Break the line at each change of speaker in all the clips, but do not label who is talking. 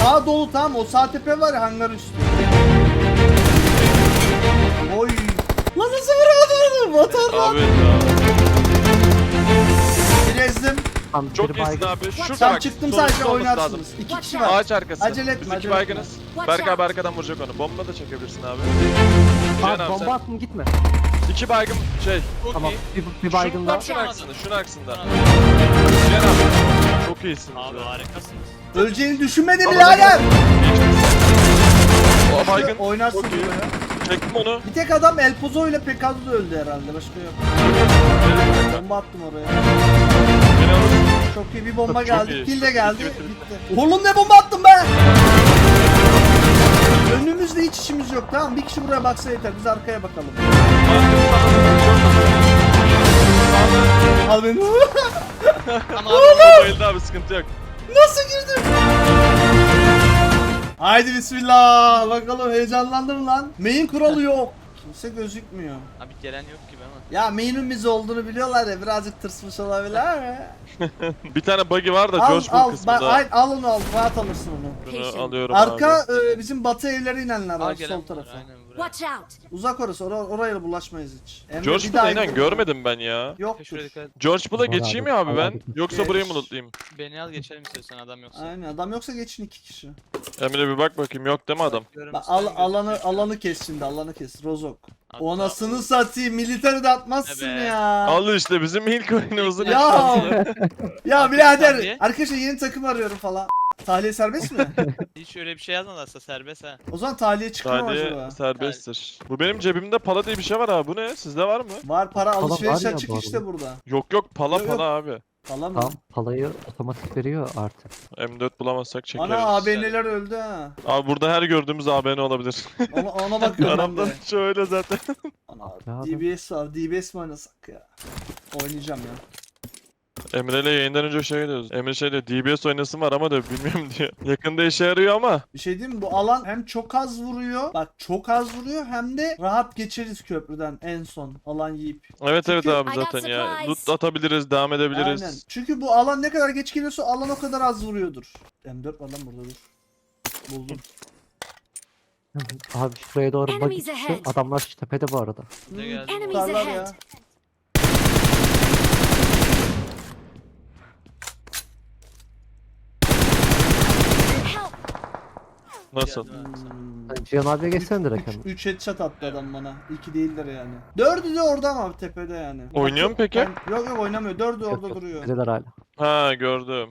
Sağ dolu, tamam, o sağ tepe var ya, hangar üstü. Oy. Lan nasıl vuramadım onu? Motorla.
Abi ya.
Bir ezdim.
Tam
Çok
biri
iyisin
baygın.
abi. Şurada
Tam
bak.
çıktım,
solumuzda
sadece
olması
oynarsınız.
lazım.
2 kişi var.
Ağaç arkası.
Acele etme,
Biz
acele
iki
etme.
baygınız. Berk abi arkadan vuracak onu. Bomba da çekebilirsin abi. Cihan
Abi
abi
bomba
sen.
attım gitme.
2 baygın şey.
Tamam. Bir baygın daha.
Şunun aksında, şunun aksında. Cihan abi. Çok iyisin.
Abi harikasınız.
Öleceğini düşünmedi
Ama
birader.
O baygın.
Oynarsın
Çok iyi.
buraya.
Çektim onu.
Bir tek adam El Pozo ile Pegasus öldü herhalde. Başka yok. Bomba attım oraya.
Beni alırsın.
Çok iyi bir bomba
Çok
geldi.
iyi.
Kill de geldi.
Bitti, bitti,
Gitti. Oğlum ne bomba attım be? Önümüzde hiç işimiz yok, tamam. Bir kişi buraya baksa yeter. Biz arkaya bakalım. Al beni.
Ama abi bayıldı abi, sıkıntı yok.
Nasıl girdim? Haydi bismillah. Bakalım, heyecanlandım lan. Main kuralı yok. Kimse gözükmüyor.
Abi gelen yok gibi ama.
Ya main'in biz olduğunu biliyorlar ya, birazcık tırsmış olabilir mi?
Bir tane buggy var da
Al
George Bull
al,
kısmında.
al onu, al, rahat alırsın onu.
Bunu alıyorum
Arka
abi.
bizim batı evlere inenler
Aa,
var,
gelen
sol
var,
tarafa.
aynen buraya.
Watch out!
Uzak orası, oraya bulaşmayız hiç. Emre
George
bir
Bull'u
daha
inan
git.
görmedim ben ya.
Yoktur.
Şuraya dikkat et.
George Bull'a
Var
geçeyim
abi,
ya abi
var
ben.
abi.
Yoksa
Geç.
burayı mı lootlayayım?
Beni al geçelim istiyorsan adam yoksa.
Aynen, adam yoksa geçin 2 kişi.
Emre bir bak bakayım, yok değil mi adam?
Bak, alanı kes şimdi, alanı kes. Rozok.
Hatta
O anasını
bu-
satayım, militeri de atmazsın
Evet.
ya.
Al işte bizim ilk oyunumuzun
Ya.
şansı.
Ya
Aferin
birader,
Saniye.
arkadaşlar yeni takım arıyorum falan. Tahliye serbest mi?
Hiç öyle bir şey yazmalarsa serbest ha.
O zaman tahliye çıkmıyor mu
Sadece
acaba?
serbesttir. Bu benim cebimde pala diye bir şey var abi. Bu ne? Sizde var mı?
Var, para
Falan
alışveriş
var ya
açık
bu
işte
arada.
burada.
Yok yok, pala
Yok, yok.
pala abi.
Falan mı?
Tamam palayı otomatik veriyor artık.
M4 bulamazsak çekeriz.
Ana ABN'ler öldü ha.
Abi burada her gördüğümüz ABN olabilir.
Ona bakıyorum ben
Aramdan
de.
şöyle zaten.
Ana,
Ya
DBS var. DBS mi oynasak ya? Oynayacağım ya.
Emre ile yayından önce şey diyoruz. Emre şey diyor, DBS oynasın var ama da bilmiyorum diyor. Yakında işe yarıyor ama.
Bir şey diyeyim mi? Bu alan hem çok az vuruyor. Bak çok az vuruyor, hem de rahat geçeriz köprüden en son alan yiyip.
Evet evet
Çünkü-
abi
I got
zaten ya.
supplies.
Loot atabiliriz, devam edebiliriz.
Aynen. Çünkü bu alan ne kadar geç geliyorsa alan o kadar az vuruyordur. M4 var lan burada, dur. Buldum.
Abi şuraya doğru bak.
Enemies ahead.
Adamlar şu tepede bu arada.
Ne geldi?
Enemies
Tutarlar
ahead.
ya.
Help!
Nasıl?
Geldi abi sana.
Cihan abiye geçsene direkt hemen.
3 headshot attı adam bana. 2 değildir yani. 4'ü de orada ama tepede yani.
Oynuyor mu peki?
Yok yok, oynamıyor. 4'ü
Yok,
orada
yok,
duruyor.
tepedeler hala.
Ha gördüm.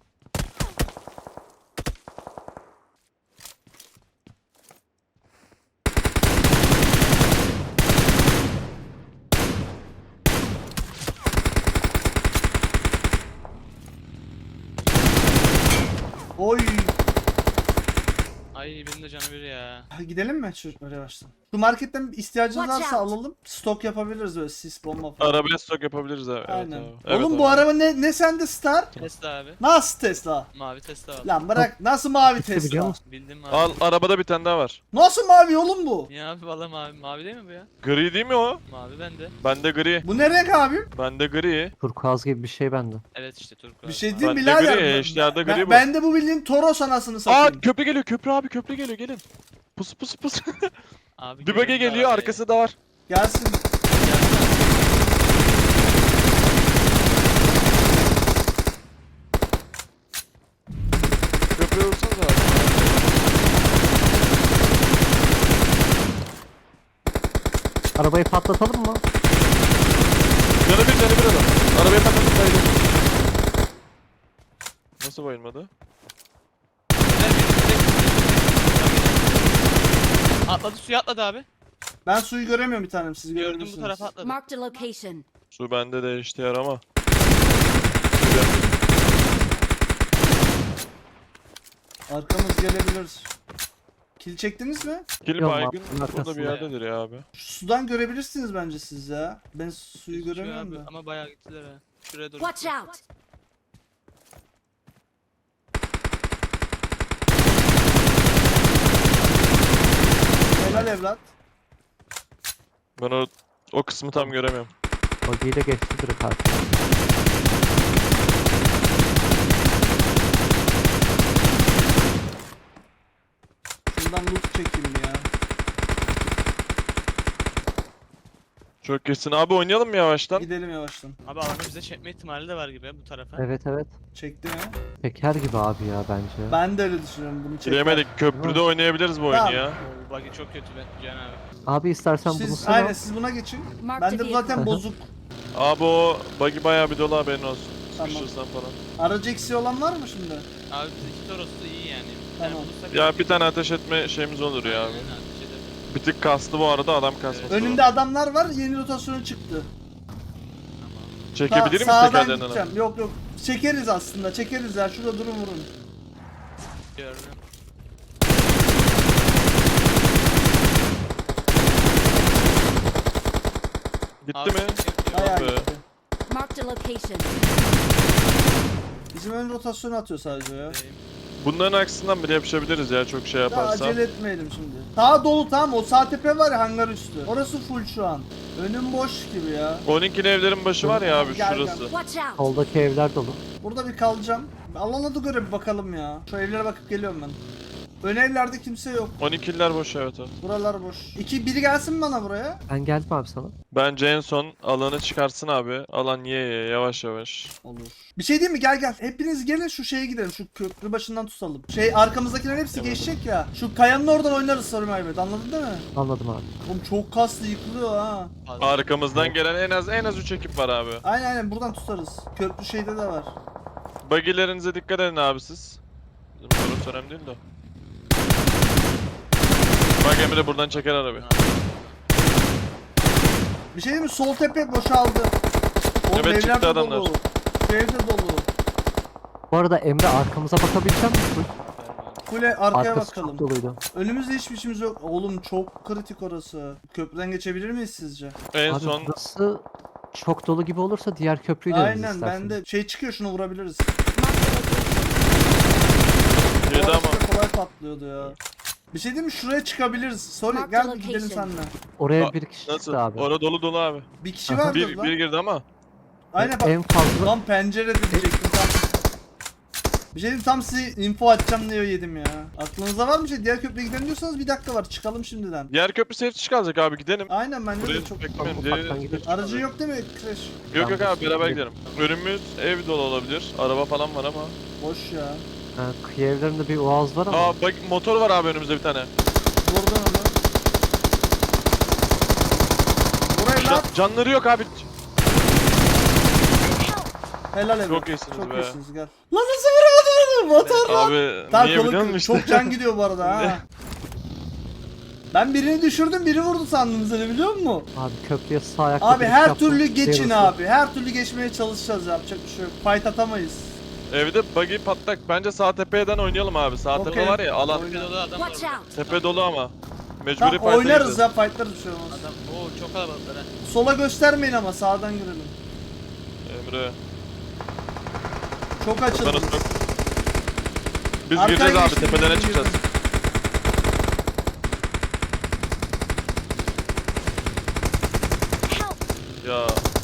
Oy.
Ay benim de canı bir ya.
Gidelim mi çocuklar yavaştan? Şu marketten ihtiyacınız
Watch
varsa
out.
alalım. Stok yapabiliriz böyle, sis bomba falan.
Arabaya stok yapabiliriz abi. Evet
Aynen.
abi. Evet
Oğlum
abi.
bu araba ne sende Star?
Tesla abi.
Nasıl Tesla?
Mavi Tesla var.
Lan bırak, nasıl mavi
Biliyor
Tesla?
musun?
Bildim abi.
Al, arabada bir tane daha var.
Nasıl mavi oğlum bu?
Niye abi valla mavi? Mavi değil mi bu ya?
Gri değil mi o?
Mavi bende.
Bende gri.
Bu ne renk abim?
Bende gri.
Turkuaz gibi bir şey bende.
Evet işte Turku
Bir
abi.
şey değil
Bende
birader.
gri, eşlerde gri bu.
Ben de bu bildiğin Toros anasını
Aa
satayım.
köprü geliyor, köprü abi, köprü geliyor, gelin. Pus pus pus.
Abi
Bir bölge
görüyorum
geliyor,
abi.
arkası da var.
Gelsin.
Köprüye vursanız abi.
Arabayı patlatalım mı?
Canı bir adam. Arabaya takıldı, sayılır. Nasıl bayılmadı?
Atladı suya atladı abi.
Ben suyu göremiyorum bir tanem, siz
Gördüm bu
görebilirsiniz.
tarafa atladı.
Marked a location.
Su bende de işte yarama.
Arkamız gelebilir. Kill çektiniz mi?
Kill
Yok,
baygın
mapın
burada
arkasında
bir yerdedir ya abi.
Şu sudan görebilirsiniz bence siz ya. Ben suyu
Gözüküyor
göremiyorum
abi.
da.
Ama bayağı gittiler ha. Şuraya doğru.
Watch out!
Helal evlat.
Ben o kısmı tam göremiyorum.
Buggy'yi de geçti direkt artık.
Şuradan loot çekeyim ya.
Çok kesin abi, oynayalım mı yavaştan?
Gidelim yavaştan.
Abi alanı bize çekme ihtimali de var gibi ya bu tarafa.
Evet evet.
Çekti mi?
Peker gibi abi ya bence.
Ben de öyle düşünüyorum bunu çekti.
Giremedik, köprüde oynayabiliriz bu oyunu
Tamam.
ya.
Oo buggy çok kötü be Cihan abi.
Abi istersen bunu
Siz,
sana.
aynen siz buna geçin.
Marked
Ben
a
de
vehicle.
zaten bozuk.
Abi o buggy bayağı bir dolu, haberin olsun.
Tamam.
Sıkışırsan falan.
Aracı eksiği olan var mı şimdi?
Abi bizdeki Toros'u da iyi yani.
Tamam.
bulursak
Ya bir tane ateş etme şeyimiz olur ya abi.
Aynen, ateş ederiz.
Bir tık kastı bu arada, adam kasması.
Önümde adamlar var, yeni rotasyonu çıktı.
Çekebilir miyiz
Sağdan
tekerlerini?
gideceğim. Yok yok. Çekeriz aslında, çekeriz ya. Şurada durun vurun.
Gördüm.
Gitti
Abi,
mi?
Bayağı
be.
gitti.
Marked a location.
Bizim ön rotasyonu atıyor sadece ya.
Bunların aksından bile yapışabiliriz ya, çok şey
Daha
yaparsa.
acele etmeyelim şimdi. Sağ dolu tamam, o sağ tepe var ya, hangar üstü. Orası full şu an. Önüm boş gibi ya.
12'li evlerin başı var ya abi,
Gel,
şurası.
Watch out.
Soldaki evler dolu.
Burada bir kalacağım. Alana da göre bir bakalım ya. Şu evlere bakıp geliyorum ben. Ön evlerde kimse yok.
12'liler boş, evet abi.
Buralar boş. Biri gelsin mi bana buraya?
Ben geldim abi sana.
Bence en son alanı çıkarsın abi. Alan ye yavaş yavaş.
Olur. Bir şey diyeyim mi? Gel gel. Hepiniz gelin şu şeye gidelim. Şu köprü başından tutalım. Arkamızdakilerin hepsi
Tamam.
geçecek ya. Şu kayanın oradan oynarız Sarı Mehmet. Anladın değil mi?
Anladım abi.
Oğlum çok kaslı yıkılıyor ha.
Fazla.
Arkamızdan gelen en az 3 ekip var abi.
Aynen buradan tutarız. Köprü şeyde de var.
Buggy'lerinize dikkat edin abi siz. Bizim soru önemli değil de. Bak Emre buradan çeker arabayı.
Bir şey diyeyim mi? Sol tepe boşaldı. Oğlum
Evet,
evler
çıktı
de
adamlar.
dolu. Şu ev de dolu.
Bu arada Emre arkamıza bakabilecek misin?
Kule arkaya
Arkası
bakalım.
çok doluydu.
Önümüzde hiçbir işimiz yok. Oğlum çok kritik orası. Köprüden geçebilir miyiz sizce?
En
Abi
son
burası çok dolu gibi olursa diğer köprüyü de
Aynen
istersen.
bende şey çıkıyor, şunu vurabiliriz.
Marked a location.
girdi
Bu
ama.
arada kolay patlıyordu ya. Bir şey diyeyim mi? Şuraya çıkabiliriz. Sorry
Mark
gel
the
bir gidelim
location.
seninle.
Oraya
Aa,
bir kişi
Nasıl?
çıktı abi.
Orada dolu abi.
Bir kişi
Aha.
vardır
Bir
lan.
girdi ama.
Aynen bak.
En fazla
Tam pencerede diyecektim tam. Bir şey diyeyim, tam size info atacağım diye yedim ya. Aklınızda var mı şey? Diğer köprüye gidelim diyorsanız bir dakika var. Çıkalım şimdiden.
Diğer köprü safety kalacak abi, gidelim.
Aynen bende
Buraya
de çok...
beklemeyin.
ufaktan
Diğeri-
gidelim.
Aracı yok değil mi? Crash.
Yok yok
Ben
abi, beraber
gidelim.
gidelim. Önümüz ev dolu olabilir. Araba falan var ama.
Boş ya.
kıyı evlerinde bir oğaz var ama.
Aa bak, motor var abi önümüzde bir tane.
Vurdun onu. Burayı lan.
Canları yok abi.
Helal evet.
Çok iyisiniz
Çok
be.
iyisiniz gel. Lan nasıl vuramadın onu? Motor lan.
Abi
Tamam,
niye
kolu
biliyor
kırık.
musun?
Çok can gidiyor bu arada ha. Ben birini düşürdüm, biri vurdu sandım seni, biliyor musun?
Abi köprüye sağ ayakla
Abi
giriş
her
yaptım.
türlü geçin
Yarısı.
abi. Her türlü geçmeye çalışacağız, yapacak bir şey yok. Fight atamayız.
Evde buggy patlak. Bence sağ tepeden oynayalım abi. Sağ
Okey.
tepe var ya, alan.
Bir dolu adam var
Watch
orada.
out.
Tepe dolu ama. Mecburi
Tamam
fight'a
oynarız
gireceğiz.
ya, fightlarız bir şey olmaz.
Adam çok kalabalıklar ha.
Sola göstermeyin ama sağdan girelim.
Emre.
Çok açıldı.
Kafanız yok. Biz
Arkaya
gireceğiz abi,
geçtim,
tepeden
girdim,
çıkacağız.
girdim.
Help.
Ya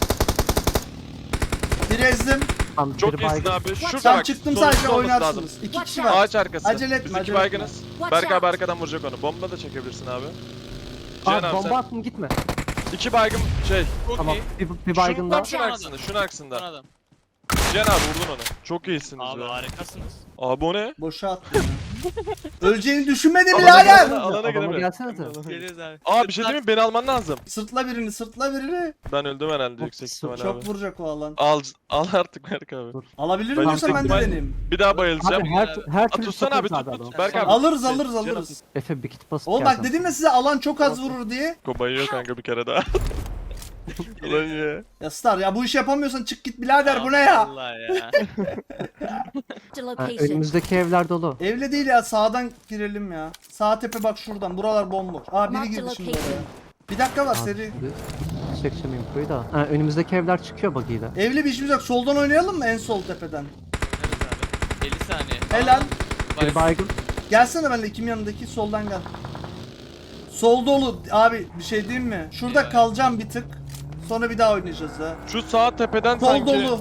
Bir ezdim.
Tamam,
çok
biri
iyisin
baygın.
abi. Şurada
Tam
bak.
çıktım,
solumuzda
sadece
olması lazım.
oynarsınız. İki
Watch
kişi
out.
var.
Ağaç arkası.
Acele etme,
Biz iki
acele
baygınız.
Watch
Berk abi
out.
arkadan vuracak onu. Bomba da çekebilirsin abi. Cihan
Abi
abi
bomba
sen.
attım gitme.
İki baygın şey.
Çok
Tamam
iyi.
bir baygın daha.
Şunun aksında, şunun
Son
aksında.
adam.
Cihan abi vurdun onu. Çok iyisiniz
Abi
be.
harikasınız.
Abi o ne?
Boşa attım ya. Öleceğini düşünmedi
Alana
birader.
gel. Alana
Adama
gireme.
gelsene de.
Geliyoruz abi.
Aa bir şey diyeyim mi? Beni alman lazım.
Sırtla birini, sırtla birini.
Ben öldüm herhalde
Çok-
yüksek ihtimal
Çok
abi.
vuracak o alan.
Al artık Berk abi.
Dur.
Alabilir
Ben
miyorsan ben de
yüksek ihtimal-
deneyeyim.
Bir daha bayılacağım.
Abi her türlü
Tutsana abi,
tutarız
tut,
adamı.
tut. Berk abi.
Alırız
Şey,
alırız
Cihan
alırız.
Efe bir kit basıp
Oğlum bak
gelsen.
dedim ya size, alan çok az vurur diye.
Ko bayıyor kanka bir kere daha. Ulan ya.
Ya Star ya, bu işi yapamıyorsan çık git birader, bu ne ya?
Allah ya.
Marked a
Ha,
location.
önümüzdeki evler dolu.
Evle değil ya, sağdan girelim ya. Sağ tepe bak şuradan, buralar bomboş. Aa biri
Mark the
girdi şimdi
location.
oraya. Bir dakika var
Abi
seri.
şimdi çekeceğim infoyu da. Ha, önümüzdeki evler çıkıyor buggy'yle.
Evli bir işimiz yok, soldan oynayalım mı en sol tepeden?
Oynarız abi. 50 saniye.
Helal.
Bir baygın.
Gelsene benimle, kim yanındaki, soldan gel. Sol dolu abi, bir şey diyeyim mi? Şurada
Eyvah.
kalacağım bir tık. Sonra bir daha oynayacağız ha.
Şu sağ tepeden
Sol
sanki.
dolu.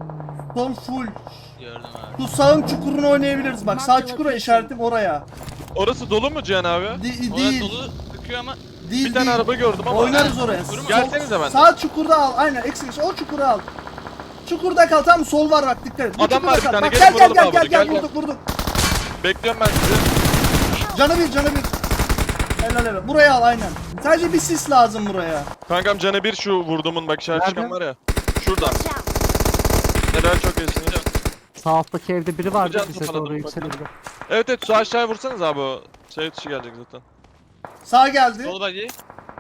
Sol full.
Gördüm abi.
Şu sağın çukurunu oynayabiliriz. Bak sağ
Mark the
çukura
location.
işaretim oraya.
Orası dolu mu Cihan abi?
Orası
Değil.
dolu sıkıyor ama
Değil
Bir tane
değil.
araba gördüm ama.
Oynarız oraya.
Durma.
Gelsenize benden.
Sağ çukurda al. Aynen eksik. O çukura al. Çukurda kal. Tamam sol var bak dikkat et. Bu
Adam
çukurda
var bir
kal.
tane,
Bak,
gelin
gel
vuralım
gel
abi,
gel
gel,
gel
gel.
vurduk.
Bekliyorum ben sizi.
Canı bir. Helal helal. Buraya al aynen. Sadece bir sis lazım buraya.
Kankam canı bir şu vurduğumun bak işaret çıkan
Nerede?
var ya. Şurada.
Watch out!
Helal çok iyisiniz.
Sağ alttaki evde biri vardı
Hocam,
bize
toparladım,
doğru
bakın.
yükselebilir.
Evet şu aşağıya vursanız abi o şey dışı gelecek zaten.
Sağ geldi.
dolu bagi.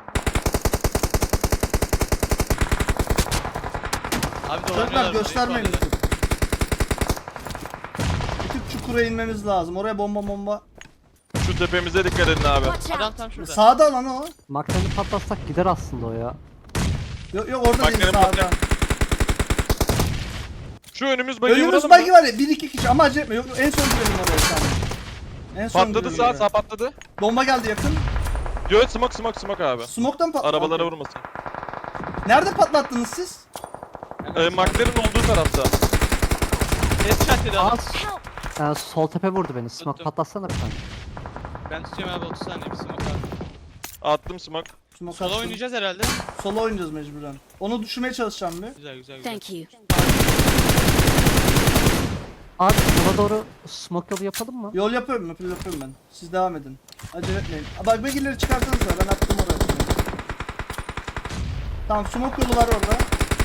Abi
Çocuklar
dolanıyorlar.
göstermeyin
burayı.
lütfen. Bir tık çukura inmemiz lazım. Oraya bomba.
Şu tepemize dikkat edin abi.
Watch
Adam
out!
tam şurada.
Sağda lan o.
Maktanı patlatsak gider aslında o ya.
Yok orada
Bak,
değil
benim
sağda.
patlayan- Şu önümüz bagi
Önümüz
vuralım
bagi
mı?
var ya 1-2 kişi ama acele etme. Yok en son girelim oraya sen. En son
Patladı
girelim oraya.
sağ patladı.
Bomba geldi yakın.
Yo smoke abi.
Smoke'tan patladı.
Arabalara vurmasın.
Nerede patlattınız siz?
Maklerin olduğu tarafta.
Headshot dedi adam.
Help!
Sol tepe vurdu beni. Smoke
Tuttum.
patlatsana bir tane.
Ben tutuyorum abi 30 saniye bir smoke abi.
Attım smoke.
Smoke
Sola
attım.
oynayacağız herhalde.
Sola oynayacağız mecburen. Onu düşürmeye çalışacağım bir.
Güzel.
Thank you.
Abi sola doğru smoke yolu yapalım mı?
Yol yapıyorum ben. Siz devam edin. Acele etmeyin. Bak bagileri çıkartsanız da ben attım oraya. Tamam smoke yolu var orada.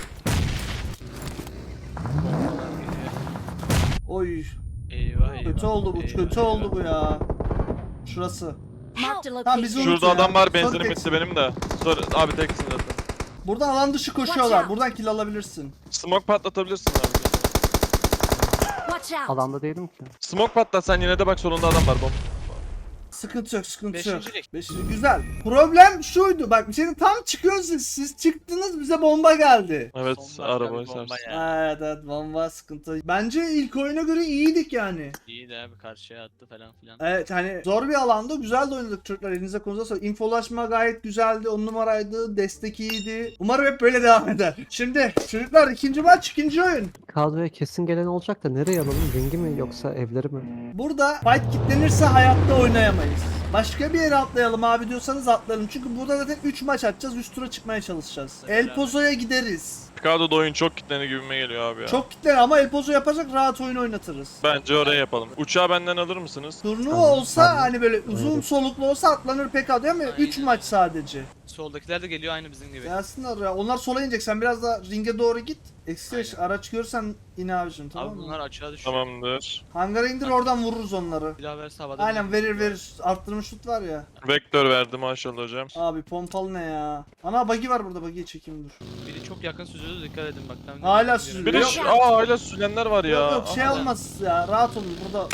Oy
Eyvah.
kötü oldu bu kötü oldu bu ya. Şurası.
Marked a
Tamam, bizi
location.
unut.
Şurada
ya.
adam var
Sonra
benzinim
teksin.
bitti benim de. Sonra abi teksin zaten.
Buradan alan dışı
Watch
koşuyorlar.
out.
Buradan kill alabilirsin.
Smoke patlatabilirsin abi.
Watch out!
Alanda değilim ki.
Smoke patlatsan yine de bak solunda adam var bomb.
Sıkıntı yok.
Beşincilik.
Beşinci güzel. Problem şuydu bak şimdi tam çıkıyorsunuz siz çıktınız bize bomba geldi.
Evet
Bomba
araba
tabii, bomba
sersin.
ya.
Evet bomba sıkıntı. Bence ilk oyuna göre iyiydik yani.
İyi de abi karşıya attı falan filan.
Evet hani zor bir alanda güzel de oynadık çocuklar elinize konuza sağlık. İnfolaşma gayet güzeldi 10 numaraydı destek iyiydi. Umarım hep böyle devam eder. Şimdi çocuklar ikinci maç ikinci oyun.
Kadroya kesin gelen olacak da nereye alalım? Ringi mi yoksa evleri mi?
Burada fight kitlenirse hayatta oynayamayız. Başka bir yere atlayalım abi diyorsanız atlayalım. Çünkü burada zaten 3 maç atacağız. Üst tura çıkmaya çalışacağız.
Evet,
El Pozo'ya gideriz.
Picado'da oyun çok kitleni gibime geliyor abi ya.
Çok kitlen ama El Pozo yapacak rahat oyun oynatırız.
Bence oraya yapalım. Uçağı benden alır mısınız?
Turnuva
Tamam,
olsa
tamam.
hani böyle uzun
Aynen.
soluklu olsa atlanır pek adı ama 3
Aynen.
maç sadece.
Soldakiler de geliyor aynı bizim gibi.
Gelsinler ya. Onlar sola inecek. Sen biraz daha ringe doğru git. Eksi
Aynen.
araç görsen in abicim tamam
Abi
mı?
bunlar açığa düşüyor.
Tamamdır.
Hangara indir oradan vururuz onları.
Bir daha verse havada.
Aynen verir. Arttırmış şut var ya.
Vektör verdi maşallah hocam.
Abi pompalı ne ya? Ana buggy var burada. Buggy'yi çekeyim dur.
Biri çok yakın süzüyordu dikkat edin bak. Tam
Hala
görüyorum.
süzülüyor.
Bir de
Yok.
şu hala süzenler var ya.
Yok şey
Aha.
olmaz ya. Rahat olun burada.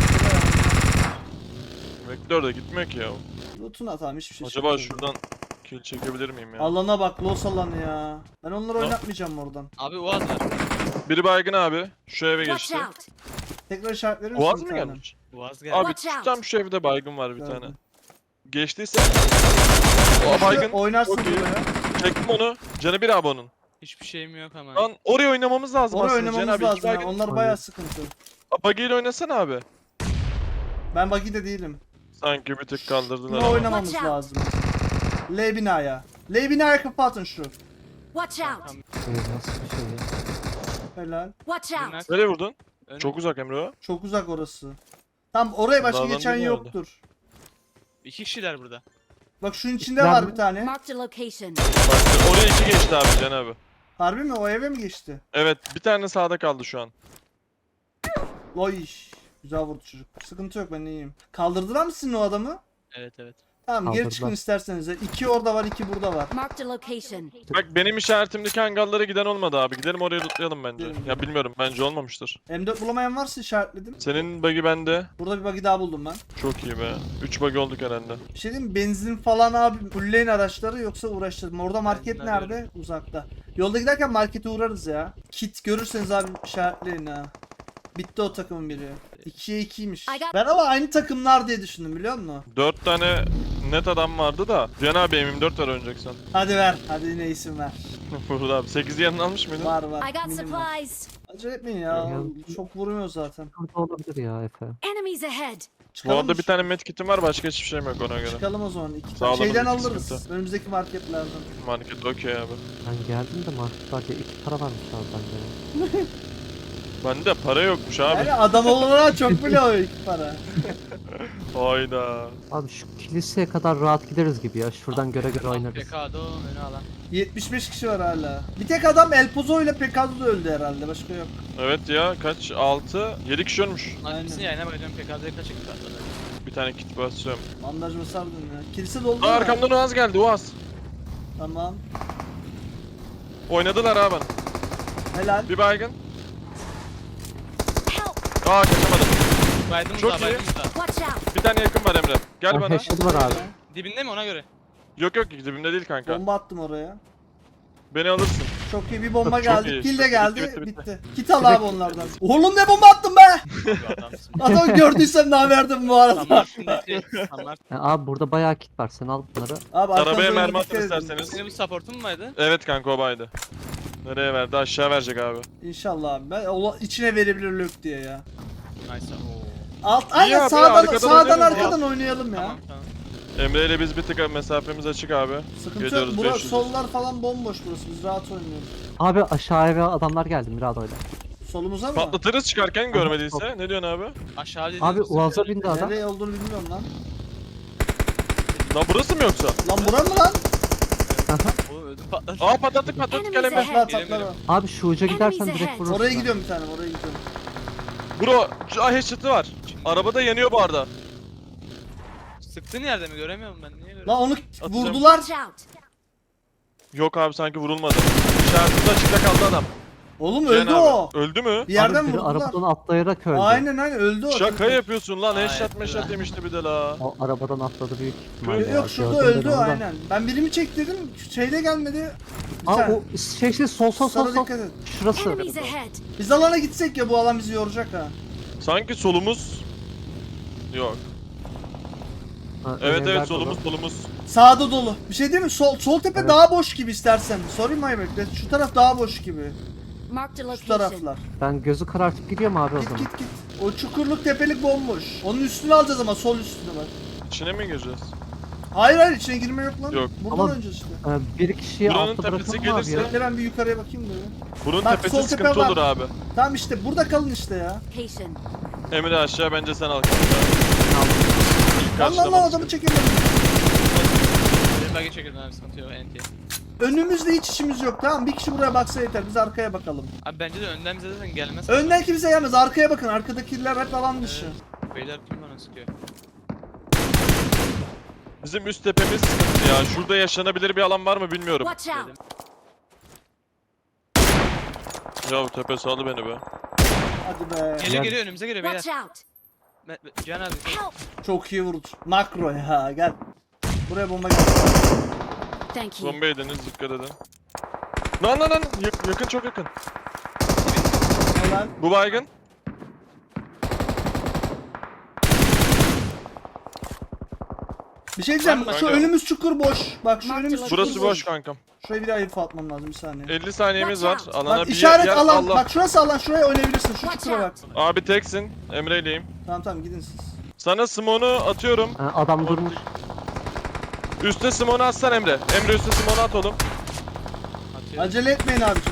Vektör de gitmiyor ki ya.
Loot'una tamam hiçbir şey
Acaba
yok.
şuradan kill çekebilir miyim ya?
Alana bak los alanı ya. Ben onları oynatmayacağım oradan.
Abi Uaz var.
Biri baygın abi. Şu eve
Watch
geçti.
out!
Tekrar işaret verir misin?
Boğaz
bir
mı
tane?
gelmiş?
Uaz geldi.
Abi
Watch out.
tam şu evde baygın var bir
Gördüm.
tane. Geçtiyse. O baygın.
Oynarsın
Çok iyi.
buraya.
Çektim onu. Canı bir abi onun.
Hiçbir şeyim yok ama.
Lan oraya oynamamız lazım
Oraya
aslında. Cihan
oynamamız
abi, iki
lazım ya.
baygın.
Onlar bayağı sıkıntı.
Buggy ile oynasana abi.
Ben buggy'de değilim.
Sanki bir tık kaldırdılar
Buna
ama.
oynamamız
Watch out.
lazım. L binaya. L binaya kapatın şu.
Watch out!
Nasıl bir şey ya?
Helal.
Watch out!
Nereye vurdun?
Önüm.
Çok uzak Emre o.
Çok uzak orası. Tam oraya başka
Dağdan
geçen
biri
yoktur.
2 kişiler burada.
Bak şunun içinde
Ben-
var bir tane.
Marked a location.
Bak oraya iki geçti abi Can abi.
Harbi mi? O eve mi geçti?
Evet bir tane sağda kaldı şu an.
Oy. Güzel vurdu çocuk. Sıkıntı yok ben iyiyim. Kaldırdılar mı sizin o adamı?
Evet.
Tamam geri
Kaldırdılar.
çıkın isterseniz. 2 orada var 2 burada var.
Marked a location.
Bak benim işaretimdeki hangarlara giden olmadı abi. Gidelim oraya lootlayalım bence.
Gidelim.
Ya bilmiyorum bence olmamıştır.
M4 bulamayan varsa işaretledim.
Senin buggy bende.
Burada bir buggy daha buldum ben.
Çok iyi be. 3 buggy olduk herhalde.
Bir şey diyeyim mi? Benzin falan abi fulleyin araçları yoksa uğraştırma. Orada market
Benzin
nerede?
arıyorum.
Uzakta. Yolda giderken markete uğrarız ya. Kit görürseniz abi işaretleyin ha. Bitti o takımın biri. 2'ye 2'ymiş.
I got-
Ben ama aynı takımlar diye düşündüm biliyor musun?
4 tane net adam vardı da. Cihan abi M24 var oynayacaksan.
Hadi ver. Hadi yine isim ver.
Burada abi. 8'i yanına almış mıydın?
Var var.
I got
minim var.
supplies.
Acele etmeyin ya.
Ya-
Çok vurmuyor zaten.
Burada olabilir ya Efe.
Enemies ahead.
Bu arada
mı
bir tane medkit'im var, başka hiçbir şeyim yok ona göre.
Çıkalım o zaman.
Sağ olun,
Şeyden
iki
alırız.
sıkıntı.
Önümüzdeki marketlerden.
Market okey abi.
Ben geldim de marketlerde 2 para varmış abi bende.
Bende para yokmuş abi.
Yani adam olana çok bile o ilk para.
Hayda.
Abi şu kiliseye kadar rahat gideriz gibi ya. Şuradan göre göre oynarız.
Pekado önü alan.
75 kişi var hala. Bir tek adam El Pozo ile Pekado da öldü herhalde. Başka yok.
Evet ya, kaç? 6, 7 kişi ölmüş.
Aynen.
Hepsini yayına bakacağım. Pekado'ya kaç çıktı aslında.
Bir tane kit basıyorum.
Bandaj mı sardın ya? Kilise doldu
Aa,
mu?
arkamdan Uaz geldi, Uaz.
Tamam.
Oynadılar abi bana.
Helal.
Bir baygın.
Help!
Aa, kaçamadım.
Baydımız
Çok
daha
iyi.
baydımız daha.
Watch out!
Bir tane yakın var Emre. Gel
Ha,
bana.
headshot var abi.
Dibinde mi ona göre?
Yok yok, dibimde değil kanka.
Bomba attım oraya.
Beni alırsın.
Çok iyi bir bomba
Çok
geldi.
iyi.
Kill de
Bitti,
geldi.
bitti,
Bitti.
bitti.
Kit al abi onlardan. Oğlum ne bomba attım be?
Abi adamsın.
Adamı gördüysem daha verdim bu arada.
Samart'taki Samart.
Abi burada bayağı kit var. Sen al bunları.
Abi
Arabaya
arkanıza
mermi
dikkat
atın
edin.
isterseniz.
Senin bu supportun mu vardı?
Evet kanka, o baydı. Nereye verdi? Aşağı verecek abi.
İnşallah abi. Ben içine verebilir lök diye ya.
Nice. Oo.
Alt aynen
abi,
sağdan
arkadan
sağdan
oynayalım ya.
arkadan oynayalım ya.
Tamam tamam.
Emre ile biz bir tık mesafemiz açık abi.
Sıkıntı yok.
Geliyoruz
Burası
500.
sollar falan bomboş burası. Biz rahat oynuyoruz.
Abi aşağıya eve adamlar geldi Mirado'yla.
Solumuza mı?
Patlatırız çıkarken görmediyse. Ne diyorsun abi?
Aşağı dediğiniz
Abi
bizim
Uaz'a
böyle-
bindi adam.
Nereye olduğunu bilmiyorum lan.
Lan burası mı yoksa?
Lan bura mı lan?
Oo, öldü patladı.
Aa, patlattık
Enemies
gel Emre.
ahead.
Patlar
Geliyorum,
patlar.
geliyorum.
Abi şu uca gidersen
Enemies
direkt
ahead.
vurursun.
Oraya
abi.
gidiyorum bir tane oraya gidiyorum.
Bro, headshot'ı var. Arabada yanıyor bu arada.
Sıktığın yerde mi göremiyorum ben niye göremiyorum?
Lan onu
Atacağım.
vurdular.
Watch out!
Yok abi, sanki vurulmadı. İşaretinde açıkta kaldı adam.
Oğlum
Cihan
öldü
abi.
o.
Öldü mü?
Bir yerden
Abi biri
vurdular.
arabadan atlayarak öldü.
Aynen öldü o.
Şaka yapıyorsun lan,
Ay,
headshot
evet.
meşat demişti bir de la.
O arabadan atladı büyük ihtimalle.
Yok,
ya.
Yok şurada
Gördüm ben
öldü
onu da.
aynen. Ben birimi çek dedim. Şeyde gelmedi. Bir
Aa
tane.
o şey sol sol
Sana
sol sol.
dikkat et.
Şurası.
Enemies ahead!
Biz alana gitsek ya bu alan bizi yoracak ha.
Sanki solumuz... Yok.
Ha,
Evet
evler
evet,
dolu.
solumuz.
Sağda dolu. Bir şey değil mi? Sol tepe
Evet.
daha boş gibi istersen. Sorry my bad. Şu taraf daha boş gibi.
Marked a
Şu
location.
taraflar.
Ben gözü karartıp gidiyorum abi o
Git
zaman.
git git. O çukurluk tepelik bomboş. Onun üstünü alacağız ama sol üstünü bak.
İçine mi gireceğiz?
Hayır içine girme yok lan.
Yok.
Buradan
Ama-
önce işte.
Bir kişiyi
Buranın
altta
tepesi
bırakalım abi ya.
gelirse-
Bekle ben bir yukarıya bakayım da ya.
Bunun
Bak,
tepesi
sol tepe
sıkıntı
var.
olur abi.
Tamam işte burada kalın işte ya.
Location.
Emre aşağı, bence sen al kanka.
Lan
Karşılamamız
adamı çekemedim.
Benim bagi çekildim abi sıkıntı yok NT.
Önümüzde hiç işimiz yok tamam. Bir kişi buraya baksa yeter. Biz arkaya bakalım.
Abi bence de önden bize zaten gelmez.
Önden kimse gelmez. Arkaya bakın. Arkadakiler hep alan dışı.
Beyler kim bana sıkıyor?
Bizim üst tepemiz sıkıntı ya. Şurada yaşanabilir bir alan var mı bilmiyorum.
Watch out!
Ya bu tepe sağlı beni be.
Hadi be.
Geliyor
Gel.
geliyor önümüze geliyor beyler.
Watch out!
Cihan abi.
Help!
Çok iyi vurdu. Makro ya gel. Buraya bomba geldi.
Thank you.
Bomba yediniz, dikkat edin. Lan yakın, çok yakın.
Helal.
Bu baygın.
Bir şey diyeceğim.
Kanka.
Şu önümüz çukur boş. Bak şu önümüz çukur
Burası boş kankam.
Şuraya bir daha info atmam lazım bir saniye.
50 saniyemiz var.
Watch
Alana
Bak
bir
işaret
yer
alan.
Allah.
Bak şurası alan. Şuraya oynayabilirsin. Şu
Watch
çukura bak.
out!
Abi teksin. Emre'yleyim.
Tamam gidin siz.
Sana smoke'u atıyorum.
Ha, adam durmuş.
Üste smoke'u atsan Emre. Emre üste smoke'u at oğlum.
Atıyor.
Acele etmeyin abicim.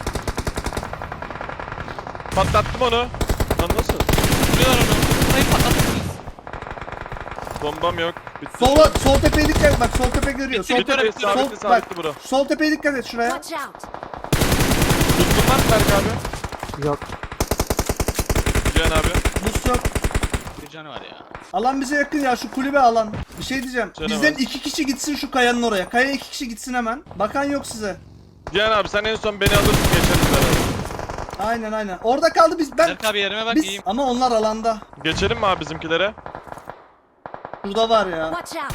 Patlattım onu. Lan nasıl?
Vuruyorlar onu. Hayır patlattınız.
Bombam yok. Bitti.
Sol tepeye dikkat et. Bak sol tepe görüyor. Sol
Bitti,
tepe.
bitti,
Sol,
sabitli,
bak.
sabitli bro.
Sol tepeye dikkat et şuraya.
Watch out!
Tuttun lan Berk abi.
Yok.
Cihan abi.
Boost yok.
Bir canı var ya.
Alan bize yakın ya şu kulübe alan. Bir şey diyeceğim.
Canım
Bizden
var.
2 kişi gitsin şu kayanın oraya. Kaya 2 kişi gitsin hemen. Bakan yok size.
Cihan abi sen en son beni alırsın, geçeriz beraber.
Aynen. Orada kaldı biz.
Berk abi yerime bak
Biz
iyiyim.
ama onlar alanda.
Geçelim mi abi bizimkilere?
Burada var ya.
Watch out!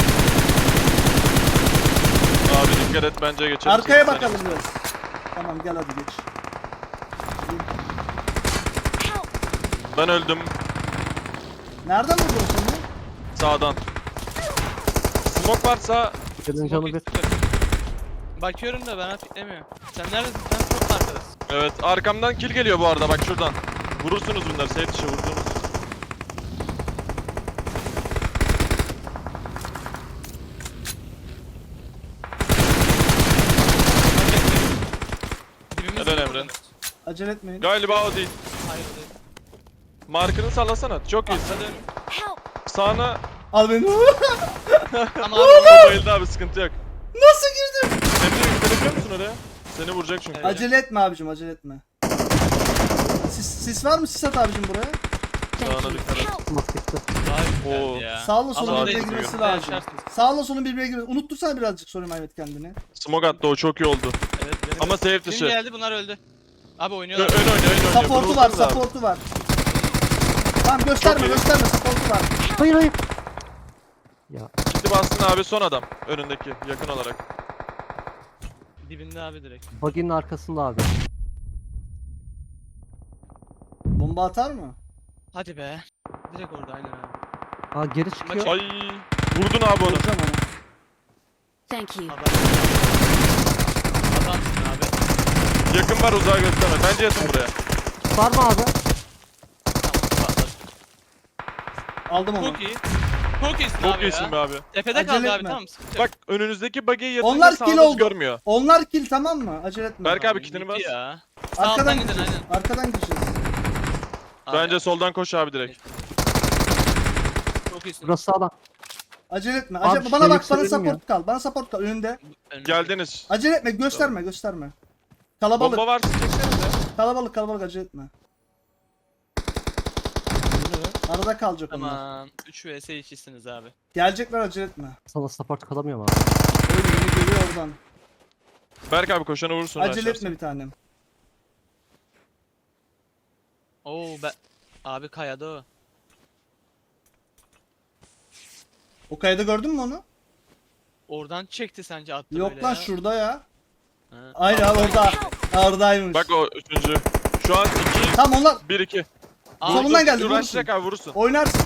Abi dikkat et, bence geçelim.
Arkaya
Seni.
bakalım biraz. Tamam gel hadi geç.
Help!
Ben öldüm.
Nereden vurdun seni?
Sağdan. Smoke varsa
Senin canı bir.
Bakıyorum da bana piklemiyor. Sen neredesin? Sen çok arkadasın.
evet, arkamdan kill geliyor bu arada, bak şuradan. Vurursunuz bunları, safe dışı vurdunuz.
Acele etmeyin.
Galiba o değil.
Hayır o değil.
Markını sallasana. Çok iyisin.
Atladım.
Help!
Sağına
Al beni.
Ama abi
o bayıldı abi, sıkıntı yok.
Nasıl girdim?
Emre yüklenebiliyor musun oraya? Seni vuracak çünkü.
Evet.
Acele etme abicim, acele etme. Sis var mı? Sis at abicim buraya.
Thank
Sağına
you.
dikkat et.
Help!
Smoke gitti.
daha
Oo.
güzeldi ya.
Sağla solun
Ama
birbirine
değil,
girmesi
yok.
lazım.
Yaşarsınız.
Sağla solun birbirine girmesi. Unuttursana birazcık sorayım Ahmet kendini.
Smoke attı, o çok iyi oldu.
Evet, benim
Ama safe
Kim
dışı.
geldi bunlar öldü. Abi
Ön
oynuyorlar.
oynuyor.
Support'u var,
Vurursunuz abi.
support'u var. Tamam gösterme,
Çok iyi.
gösterme, support'u var.
Hayır hayır. Ya
Gitti bastın abi, son adam. Önündeki, yakın olarak.
Dibinde abi direkt.
buggy'nin arkasında abi.
Bomba atar mı?
Hadi be. Direkt orada aynen abi.
Aa geri çıkıyor.
Ay, vurdun abi onu.
Vuracağım onu.
Thank you.
Adam. Adamsın abi.
Yakın var, uzağa gösterme. Bence yatın buraya.
Var mı abi?
Tamam patladı.
Aldım onu.
Çok iyi. Çok iyisin
Çok
abi
iyisin
ya.
be abi.
Tepede
Acele
kaldı abi
etme.
tamam sıkıntı yok.
Bak önünüzdeki buggy'yi yatınca
Onlar kill
sağınız
oldu.
görmüyor.
Onlar kill, tamam mı? Acele etme.
Berk abi
Gitti
kitini bas.
ya. Sağ
Arkadan
alttan gidin
gideceğiz.
aynen.
Arkadan gideceğiz.
Abi,
Bence soldan koş abi direkt.
Çok iyisin.
Burası sağlam.
Acele etme.
Abi,
Acele, bana
şey
bak, bana
yükselelim
support kal. Bana support kal önünde.
Önümüzdeki.
Geldiniz.
Acele etme, gösterme, gösterme. Kalabalık,
Bomba var, çeksenize.
kalabalık acele etme. Arada kalacak onlar.
Tamam. 3 vs 2'siniz abi.
Gelecekler, acele etme.
Sana support kalamıyorum abi.
Öyle beni görüyor oradan.
Berk abi koşana vurursun.
Acele
aşağısı.
etme bir tanem.
Oo be. Abi kayada o.
O kayada gördün mü onu?
Oradan çekti sence attı
Yok
böyle
lan,
ya.
şurada ya.
Ha.
Aynen abi, orada. Oradaymış.
Bak o üçüncü. Şu an 2,
Tamam onlar
1-2.
Aa,
Solundan geldi,
Uğraşacak abi, vurursun.
oynarsın.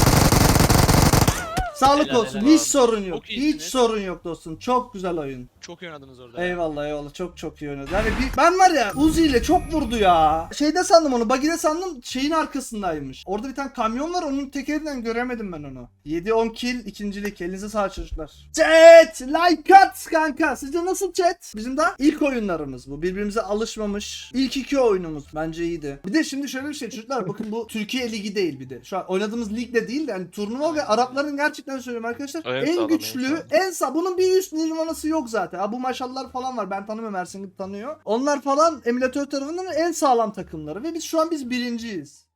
Sağlık
Helal,
olsun.
helal
Hiç
abi.
sorun yok.
Çok iyisiniz.
Hiç sorun yok dostum. Çok güzel oyun.
Çok iyi oynadınız orada. ya.
Eyvallah çok iyi oynadı. Yani ben var ya, Uzi ile çok vurdu ya. Şeyde sandım onu, buggy'de sandım, şeyin arkasındaymış. Orada bir tane kamyon var, onun tekerinden göremedim ben onu. 7-10 kill, ikincilik. Elinize sağlık çocuklar. Chat! Like at kanka. Sizce nasıl chat? Bizim de ilk oyunlarımız bu. Birbirimize alışmamış. İlk iki oyunumuz. Bence iyiydi. Bir de şimdi şöyle bir şey çocuklar. Bakın bu Türkiye Ligi değil bir de. Şu an oynadığımız lig de değil de, yani turnuva ve Arapların, gerçekten söylüyorum arkadaşlar.
En
En
sağlam,
güçlü,
en sağlam.
en sağ. Bunun bir üst nirvanası yok zaten. Ha, bu maşallar falan var. Ben tanımıyorum, Ersin gibi tanıyor. Onlar falan emülatör tarafından en sağlam takımları ve biz şu an birinciyiz.